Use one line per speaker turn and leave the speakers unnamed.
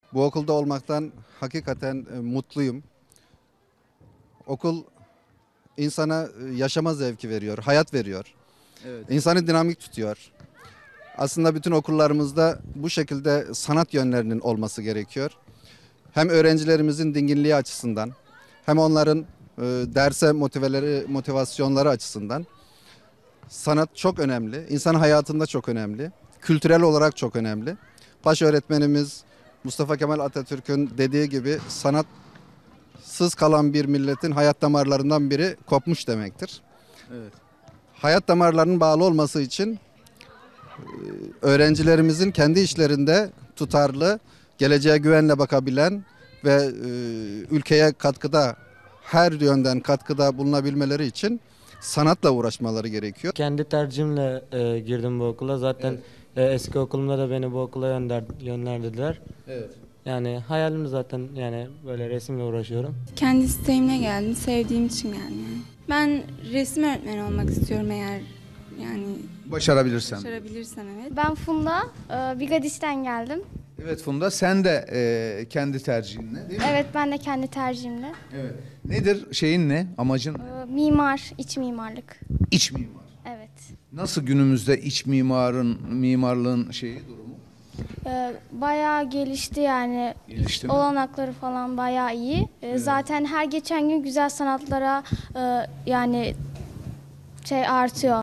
Bu okulda olmaktan hakikaten mutluyum. Okul insana yaşama zevki veriyor, hayat veriyor.
Evet.
İnsanı dinamik tutuyor. Aslında bütün okullarımızda bu şekilde sanat yönlerinin olması gerekiyor. Hem öğrencilerimizin dinginliği açısından, hem onların derse motivasyonları açısından sanat çok önemli. İnsan hayatında çok önemli. Kültürel olarak çok önemli. Baş öğretmenimiz Mustafa Kemal Atatürk'ün dediği gibi sanatsız kalan bir milletin hayat damarlarından biri kopmuş demektir.
Evet.
Hayat damarlarının bağlı olması için öğrencilerimizin kendi işlerinde tutarlı, geleceğe güvenle bakabilen ve ülkeye her yönden katkıda bulunabilmeleri için sanatla uğraşmaları gerekiyor.
Kendi tercihimle girdim bu okula. Zaten eski okulumda da beni bu okula yönlendirdiler.
Evet.
Yani hayalim zaten yani böyle resimle uğraşıyorum.
Kendi isteğimle geldim, sevdiğim için geldim yani. Ben resim öğretmeni olmak istiyorum eğer yani
Başarabilirsem.
başarabilirsem evet.
Ben Funda, Bigadis'ten geldim.
Evet Funda, sen de kendi tercihinle değil mi?
Evet, ben de kendi tercihimle.
Evet. Nedir şeyin ne? Amacın ne?
Mimar, iç mimarlık.
İç mimar.
Evet.
Nasıl günümüzde iç mimarlığın durumu?
Bayağı gelişti yani.
Gelişti mi?
Olanakları falan bayağı iyi. Zaten her geçen gün güzel sanatlara yani artıyor.